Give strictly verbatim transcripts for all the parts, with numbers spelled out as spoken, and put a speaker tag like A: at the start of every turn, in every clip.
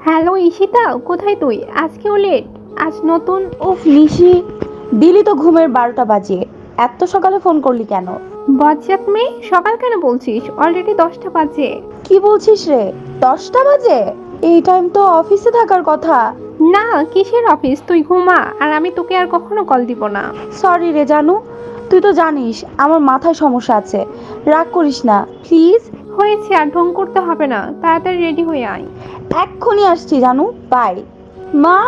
A: Hello Ishita, কোথায় তুই? আজকেও লেট? আজ নতুন?
B: উফ নিশি, দিলি তো ঘুমের বারোটা বাজিয়ে। এত সকালে ফোন করলি কেন?
A: বজ্জাত মেয়ে, সকাল কেন বলছিস? অলরেডি দশটা বাজে।
B: কি বলছিস রে? দশটা বাজে? এই টাইম তো অফিসে থাকার কথা।
A: না, কিসের অফিস? তুই ঘুমা, আর আমি তোকে আর কখনো কল দিব না।
B: সরি রে জানু, তুই তো জানিস আমার মাথায় সমস্যা আছে। রাগ করিস না প্লিজ।
A: হয়েছে, আর ঢং করতে হবে না, তাড়াতাড়ি রেডি হয়ে আয়।
B: এক্ষুনি আসছি জানু, বাই। মা,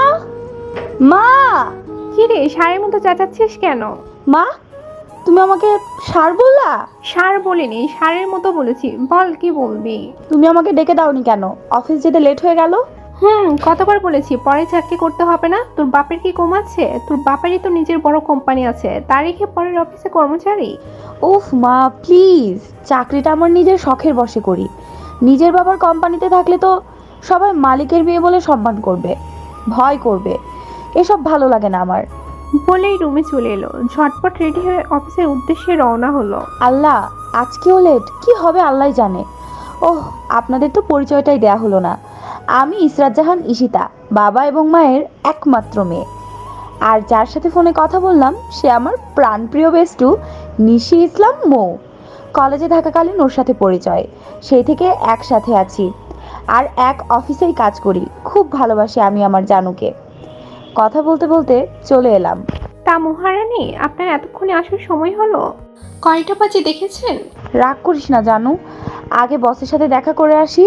B: মা,
A: কি রে, ষাঁড়ের মতো চেঁচাচ্ছিস কেন?
B: মা, তুমি আমাকে সার বললা?
A: ষাঁড় বলিনি, ষাঁড়ের মতো বলেছি। বল, কি বলবি?
B: তুমি আমাকে ডেকে দাওনি কেন? অফিস যেতে লেট হয়ে গেল।
A: হুম, কতবার বলেছি পরে চাকরি করতে হবে না? তোর বাপের কি কম আছে? তোর বাপেরই তো নিজের বড় কোম্পানি আছে, তার রেখে পরের অফিসে কর্মচারী?
B: উফ মা প্লিজ, চাকরিটা আমার নিজের শখের বশে করি। নিজের বাবার কোম্পানিতে থাকলে তো সবাই মালিকের বিয়ে বলে সম্মান করবে, ভয় করবে। এসব ভালো লাগে না আমার।
A: বলেই রুমে চলে এলো, ঝটপট রেডি হয়ে অফিসের উদ্দেশ্যে রওনা হলো।
B: আল্লাহ, আজকেও লেট? কি হবে আল্লাহ জানে। ওহ, আপনাদের তো পরিচয়টাই দেয়া হলো না। আমি ইসরাত জাহান ঈশিতা, বাবা এবং মায়ের একমাত্র মেয়ে। আর যার সাথে ফোনে কথা বললাম সে আমার প্রাণপ্রিয় বেস্টু নিশি ইসলাম মৌ। কলেজে থাকাকালীন ওর সাথে পরিচয়, সেই থেকে একসাথে আছি আর এক অফিসেই কাজ করি। খুব ভালোবাসি আমি আমার জানুকে। কথা বলতে বলতে চলে এলাম।
A: তা মহারানী, আপনার এতক্ষণে আসার সময় হলো? কয়টা বাজে দেখেছেন?
B: রাগ করিস না জানু, আগে বসের সাথে দেখা করে আসি।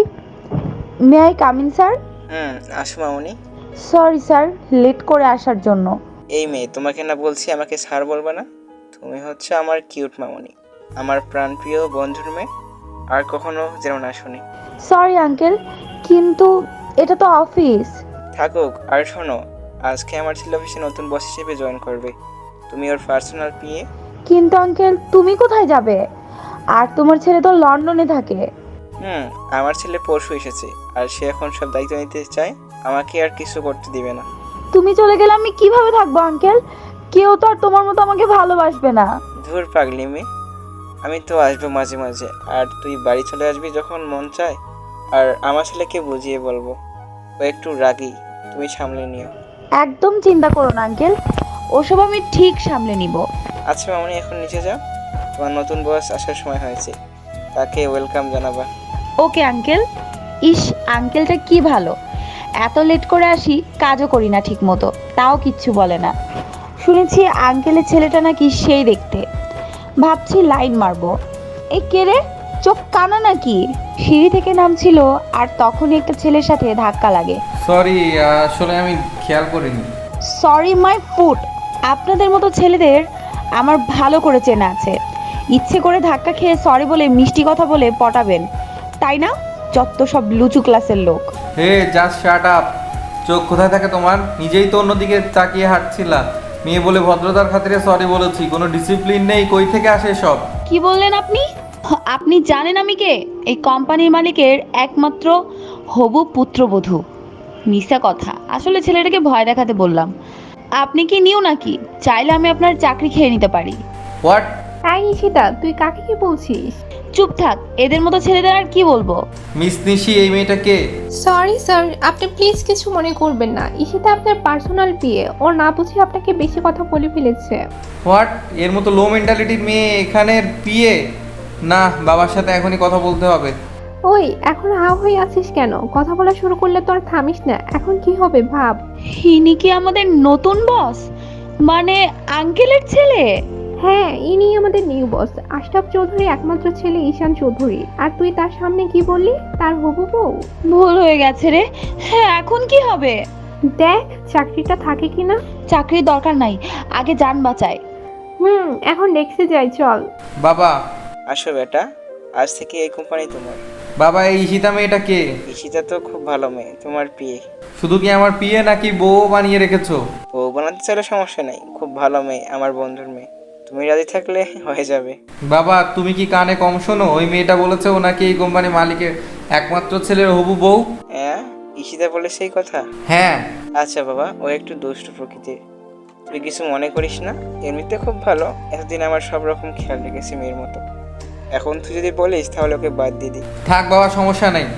B: May I coming sir?
C: হুম, আসো মামুনি।
B: সরি স্যার, লেট করে আসার জন্য।
C: এই মেয়ে, তোমাকে না বলছি আমাকে স্যার বলবে না? তুমি হচ্ছে আমার কিউট মামুনি, আমার প্রাণপ্রিয় বন্ধুর মেয়ে। আর কখনো যেন না শুনি।
B: সরি আঙ্কেল, কিন্তু এটা তো অফিস।
C: থাকুক, আর শোনো, আজকে আমার ছেলে অফিসে নতুন বস হিসেবে জয়েন করবে। তুমি ওর পার্সোনাল পিএ।
B: কিন্তু আঙ্কেল তুমি কোথায় যাবে? আর তোমার ছেলে তো লন্ডনে থাকে।
C: হুম, আমার ছেলে পরশু এসেছে, আর সে এখন সব দায়িত্ব নিতে চায়। আমাকে আর কিছু করতে দিবে না।
B: তুমি চলে গেলে আমি কিভাবে থাকবো আঙ্কেল? কেউ তো আর তোমার মতো আমাকে ভালোবাসবে না।
C: ধুর পাগলি মেয়ে, আমি তো আসবো মাঝে মাঝে, আর তুই বাড়ি চলে আসবি যখন মন চায়। আর আমার ছেলেকে বুঝিয়ে বলবো, ও একটু রাগী, তুমি সামলে নিও।
B: একদম চিন্তা করো না আঙ্কেল, ওসব আমি ঠিক সামলে নিব।
C: আচ্ছা মামনি, এখন নিচে যাও, তোমার নতুন বস আসার সময় হয়েছে, তাকে ওয়েলকাম জানাবা।
B: Okay uncle. ইস, আঙ্কেলটা কি ভালো, এত লেট করে আসি, কাজও করি না ঠিক মতো, তাও কিচ্ছু বলে না। শুনেছি আঙ্কেলের ছেলেটা নাকি সেই দেখতে। ভাবছি লাইন মারবো। এই কে রে, চোখ কানা নাকি? সিঁড়ি থেকে নামছিল আর তখনই একটা ছেলের সাথে ধাক্কা লাগে।
D: সরি, আসলে আমি খেয়াল করিনি।
B: Sorry my foot. আপনাদের মতো ছেলেদের আমার ভালো করে চেনা আছে। ইচ্ছে করে ধাক্কা খেয়ে সরি বলে মিষ্টি কথা বলে পটাবেন, তাই না? যত সব লুচু ক্লাসের লোক।
D: Hey just shut up. চোখ কোথায় থাকে তোমার? নিজেই তো অন্যদিকে তাকিয়ে হাঁটছিলা। মেয়ে বলে ভদ্রতার খাতিরে সরি বলেছি, কোনো ডিসিপ্লিন নেই, কই থেকে আসে সব?
B: কি বললেন আপনি? আপনি জানেন আমি কে? এই কোম্পানির মালিকের একমাত্র হবু পুত্রবধূ। মিথ্যা কথা, আসলে ছেলেটাকে ভয় দেখাতে বললাম। আপনি কি নিউ নাকি? চাইলে আমি আপনার চাকরি খেয়ে নিতে পারি।
D: হোয়াট?
A: এই ঈশিতা, তুই কাকে কি বলছিস?
B: চুপ থাক, এদের মতো ছেলেদের আর কি বলবো।
D: মিস নিশি, এই মেয়েটা কে?
A: সরি স্যার, আপনি প্লিজ কিছু মনে করবেন না। ঈশিতা আপনার পার্সোনাল পিএ, ও না বুঝে আপনাকে বেশি কথা বলে ফেলেছে।
D: হোয়াট? এর মতো লো মেন্টালিটির মেয়ে এখানের পিএ? না, বাবার সাথে এখনই কথা বলতে হবে।
A: ওই, এখন হাও হয়ে আছিস কেন? কথা বলা শুরু করলে তো আর থামিস না। এখন কি হবে ভাব।
B: ইনি কি আমাদের নতুন বস? মানে আঙ্কেলের ছেলে?
A: হ্যাঁ, ইনি আমাদের নিউ বস, আশরাফ চৌধুরী একমাত্র ছেলে ঈশান চৌধুরী। আর তুই তার সামনে কি বললি? তার হবু বউ?
B: ভুল হয়ে গেছে রে। হ্যাঁ, এখন কি হবে?
A: দেখ চাকরিটা থাকে কিনা।
B: চাকরির দরকার নাই, আগে যান বাঁচায়।
A: হুম, এখন ডেস্কে যাই, চল।
D: বাবা,
C: আসো বেটা, আজ থেকে এই কোম্পানি তোমার।
D: বাবা, এই ঈশিতা মেয়েটা কে?
C: ঈশিতা তো খুব ভালো মেয়ে, তোমার পিএ।
D: শুধু কি আমার পিএ নাকি বউ বানিয়ে রেখেছো?
C: ও বানাতে চাইলে সমস্যা নেই, খুব ভালো মেয়ে, আমার বন্ধুর মেয়ে। তুমি রাজি থাকলে হয়ে যাবে।
D: বাবা, তুমি কি কানে কম শোনো? ওই মেয়েটা বলেছে ও নাকি এই কোম্পানি মালিকের একমাত্র ছেলের হবু বউ।
C: হ্যাঁ, ঈশিতা বলে সেই কথা?
D: হ্যাঁ।
C: আচ্ছা বাবা, ও একটু দুষ্ট প্রকৃতির, তুই কিছু মনে করিস না। এমনিতে খুব ভালো, এতদিন আমার সব রকম খেয়াল রেখেছি মেয়ের মতো। এখন তুই যদি বলিস তাহলে ওকে বাদ দিয়ে দিই।
D: থাক বাবা, সমস্যা নেই।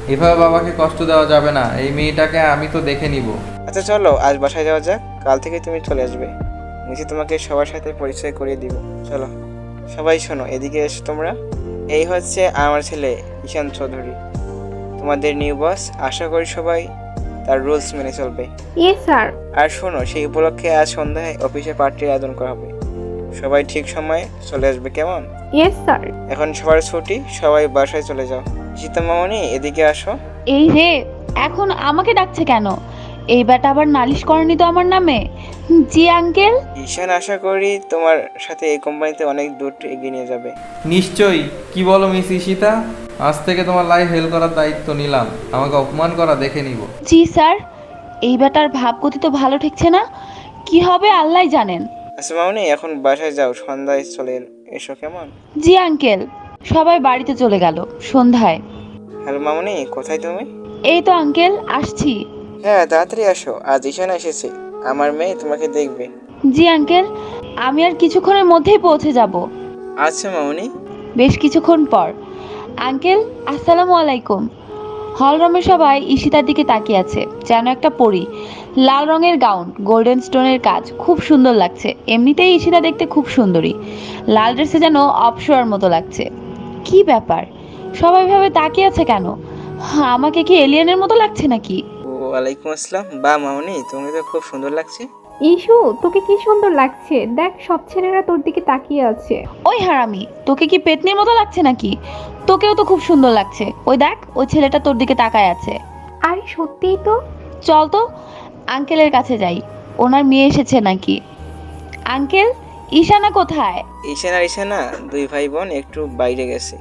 D: এভাবে বাবাকে কষ্ট দেওয়া যাবে না। এই মেয়েটাকে আমি তো দেখে নিব।
C: আচ্ছা চলো আজ বাসায় যাওয়া যাক, কাল থেকে তুমি চলে আসবে। নিচে তোমাকে সবার সাথে পরিচয় করিয়ে দিব। চলো সবাই শোনো, এদিকে এসো তোমরা। এই হচ্ছে আমার ছেলে ঈশান চৌধুরী, তোমাদের নিউ বস। আশা করি সবাই তার রুলস মেনে চলবে।
A: Yes sir.
C: আর শোনো, সেই উপলক্ষে আজ সন্ধ্যায় অফিসে পার্টির আয়োজন করা হবে। সবাই ঠিক সময়ে চলে আসবে, কেমন?
A: Yes sir.
C: এখন সবার ছুটি, সবাই বাসায় চলে যাও। সীতা মামনি এদিকে আসো।
B: এই রে, এখন আমাকে ডাকছে কেন? এই ব্যাটা আবার নালিশ করেনি তো আমার নামে? জি আঙ্কেল।
C: ঈশান আশা করি তোমার সাথে এই কোম্পানিতে অনেক দূর এগিয়ে নিয়ে যাবে।
D: নিশ্চয়ই। কি বলো মিস ঈশিতা? আজ থেকে তোমার লাইফ হেল্প করার দায়িত্ব নিলাম। আমাকে অপমান করা দেখে নিব।
B: জি স্যার। এই ব্যাটার ভাবগতি তো ভালো ঠেকছে না, কি হবে আল্লাহ জানেন।
C: আচ্ছা মামনি, এখন বাসায় যাও, সন্ধ্যায় চলে এসো, কেমন?
B: জি আঙ্কেল। সবাই বাড়িতে চলে গেল সন্ধ্যায়।
C: হ্যালো মামনি, কোথায় তুমি?
B: এই তো আঙ্কেল আসছি।
C: হ্যাঁ তাড়াতাড়ি আসো, আজ ঈশান এসেছে। আমার মেয়ে তোমাকে দেখবে।
B: জি আঙ্কেল, আমি আর কিছুক্ষণের মধ্যেই পৌঁছে যাব।
C: আচ্ছা মামনি।
B: বেশ কিছুক্ষণ পর। আঙ্কেল আসসালামু আলাইকুম। হলরুমের সবাই ঈশিতার দিকে তাকিয়ে আছে, যেন একটা পরী। লাল রঙের গাউন, গোল্ডেন স্টোনের কাজ, খুব সুন্দর লাগছে। এমনিতেই ঈশিতা দেখতে খুব সুন্দরী, লাল ড্রেসে যেন অপসরার মতো লাগছে। কি ব্যাপার, সবাই ভাবে তাকিয়ে আছে কেন? হ্যাঁ, আমাকে কি এলিয়েনের মতো লাগছে নাকি?
C: ওয়ালাইকুম আসসালাম। বা মামনি, তোমাকে তো খুব সুন্দর লাগছে।
A: ইস্যু, তোকে কি সুন্দর লাগছে। দেখ সব ছেলেরা তোর দিকে তাকিয়ে আছে।
B: ওই হারামি, তোকে কি পেতনির মতো লাগছে নাকি? তোকেও তো খুব সুন্দর লাগছে। ওই দেখ, ওই ছেলেটা তোর দিকে তাকায় আছে।
A: আরে সত্যিই তো।
B: চল তো আঙ্কেলের কাছে যাই, ওনার মেয়ে এসেছে নাকি। আঙ্কেল, ঈশানা কোথায়?
C: ঈশান আর ঈশানা দুই ভাই বোন একটু বাইরে গেছে,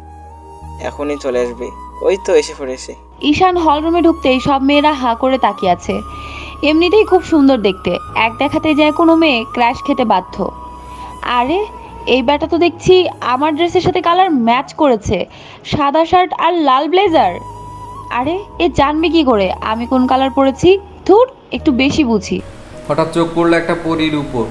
C: এখনই চলে আসবে। ওই তো এসে পড়েছে।
B: ঈশান হলরুমে ঢুকতেই সব মেয়েরা হা করে তাকিয়ে আছে। এমনিতেই খুব সুন্দর দেখতে, এক দেখাতে যায় কোনো মেয়ে ক্র্যাশ খেতে বাধ্য। আরে এই ব্যাটা তো দেখছি আমার ড্রেসের সাথে কালার ম্যাচ করেছে, সাদা শার্ট আর লাল ব্লেজার। আরে এ জানবে কি করে আমি কোন কালার পরেছি? ধুর, একটু বেশি বুঝি।
D: হঠাৎ চোখ পড়লো একটা পরীর উপর।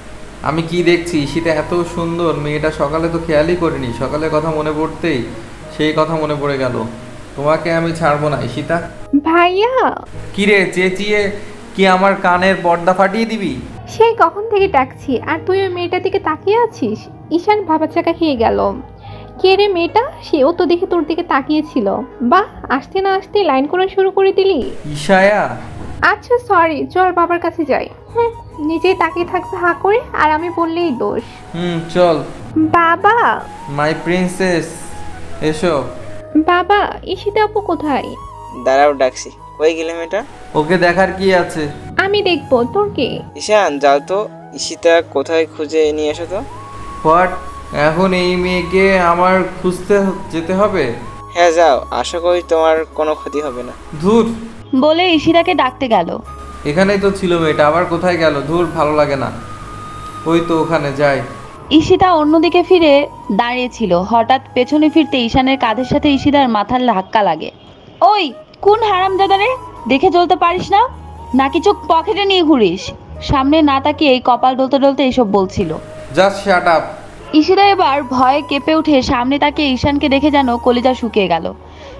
D: আমি কি দেখছি, শীতে এত সুন্দর মেয়েটা, সকালে তো খেয়ালই করিনি। সকালের কথা মনে পড়তেই সেই কথা মনে পড়ে গেল। তোমাকে আমি ছাড়বো না ঈশিতা।
A: ভাইয়া,
D: কি রে, চেঁচিয়ে কি আমার কানের পর্দা ফাটিয়ে দিবি?
A: সেই কখন থেকে ডাকছি আর তুই ওই মেয়েটার দিকে তাকিয়ে আছিস। ঈশান ভাবাচাকা খেয়ে গেল। কে রে মেয়েটা? সেও তো দেখে তোর দিকে তাকিয়েছিল। বাহ, আসতে না আসতে লাইন করা শুরু করে দিলি।
D: ঈশায়া।
A: আচ্ছা সরি, চল বাবার কাছে যাই। হুম, নিজেই তাকিয়ে থাকবে হা করে, আর আমি বললেই দোষ।
D: হুম চল।
A: বাবা,
D: মাই প্রিন্সেস, এসো।
A: বাবা, ঈশিতা আপু কোথায়?
C: দাঁড়াও, ডাকছি। কই গেলে মেয়েটা?
D: ওকে দেখার কি আছে?
A: আমি দেখবো, তোর কে?
C: ঈশান যাও তো, ঈশিতা কোথায় খুঁজে নিয়ে এসো তো।
D: হোয়াট? এখন এই মেয়েকে আমার খুঁজতে যেতে হবে?
C: হ্যাঁ যাও, আশা করি তোমার কোনো ক্ষতি হবে না।
D: ধুর,
B: বলে ঈশিতাকে ডাকতে গেল।
D: এখানেই তো ছিল মেয়েটা, আবার কোথায় গেল? ধুর, ভালো লাগে না। ওই তো ওখানে যাই।
B: ঈশিতা অন্যদিকে ফিরে দাঁড়িয়েছিল। হঠাৎ পেছনে ফিরতে ঈশানের কাঁধের সাথে ঈশিতার মাথার ধাক্কা লাগে। ওই কোন হারামজাদা রে, দেখে চলতে পারিস না নাকি চোখ পকেটে নিয়ে ঘুরিস? সামনে না তাকিয়ে কপাল ডলতে ডলতে এসব বলছিল।
D: Just shut up.
B: ঈশিতা এবার ভয়ে কেঁপে উঠে সামনে তাকিয়ে ঈশানকে দেখে যেন কলিজা শুকিয়ে গেল।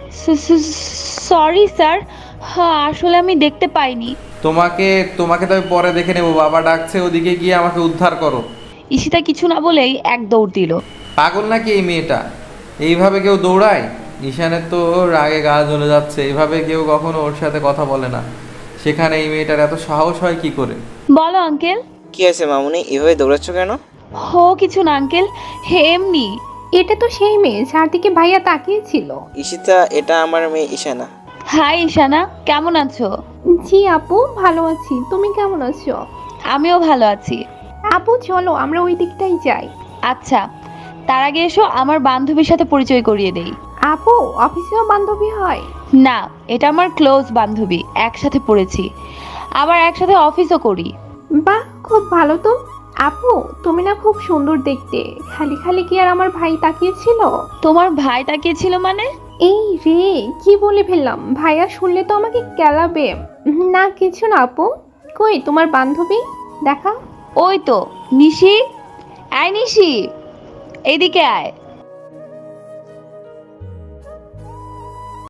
B: সরি স্যার, হ্যাঁ আসলে আমি দেখতে পাইনি।
D: তোমাকে তোমাকে তো আমি পরে দেখে নেবো। বাবা ডাকছে, ওদিকে গিয়ে আমাকে উদ্ধার করো।
B: ঈশিতা কিছু না বলেই এক দৌড় দিল।
D: পাগল নাকি এই মেয়েটা? এইভাবে কেউ দৌড়ায়? ঈশানের তো রাগে গা জ্বলে যাচ্ছে। এইভাবে কেউ কখনো ওর সাথে কথা বলে না, সেখানে এই মেয়েটার এত সাহস হয় কি করে?
B: বলো আঙ্কেল।
C: কি আছে মামুনি, এভাবে দৌড়াচ্ছ কেন?
B: হো কিছু না আঙ্কেল, হে এমনি।
A: এটা তো সেই মেয়ে যার দিকে ভাইয়া তাকিয়েছিল।
C: ঈশিতা, এটা আমার মেয়ে ঈশানা।
B: হাই ঈশানা, কেমন আছো?
A: জি আপু, ভালো আছি। তুমি কেমন আছো?
B: আমিও ভালো আছি।
A: আপু চলো আমরা ওই দিকটাই যাই।
B: আচ্ছা, তার আগে এসো আমার বান্ধবীর সাথে পরিচয় করিয়ে দেই।
A: আপু, অফিসেও বান্ধবী হয়?
B: না, এটা আমার ক্লোজ বান্ধবী, একসাথে পড়েছি, আবার একসাথে অফিসও করি।
A: বাহ, খুব ভালো তো। আপু, তুমি না খুব সুন্দর দেখতে। খালি খালি কি আর আমার ভাই তাকিয়েছিল?
B: তোমার ভাই তাকিয়েছিল মানে?
A: এই রে, কি বলে ফেললাম, ভাইয়া শুনলে তো আমাকে কেলাবে। না কিছু না আপু। কই তোমার বান্ধবী, দেখা।
B: ওই তো নিশি। আয় নিশি, এইদিকে আয়।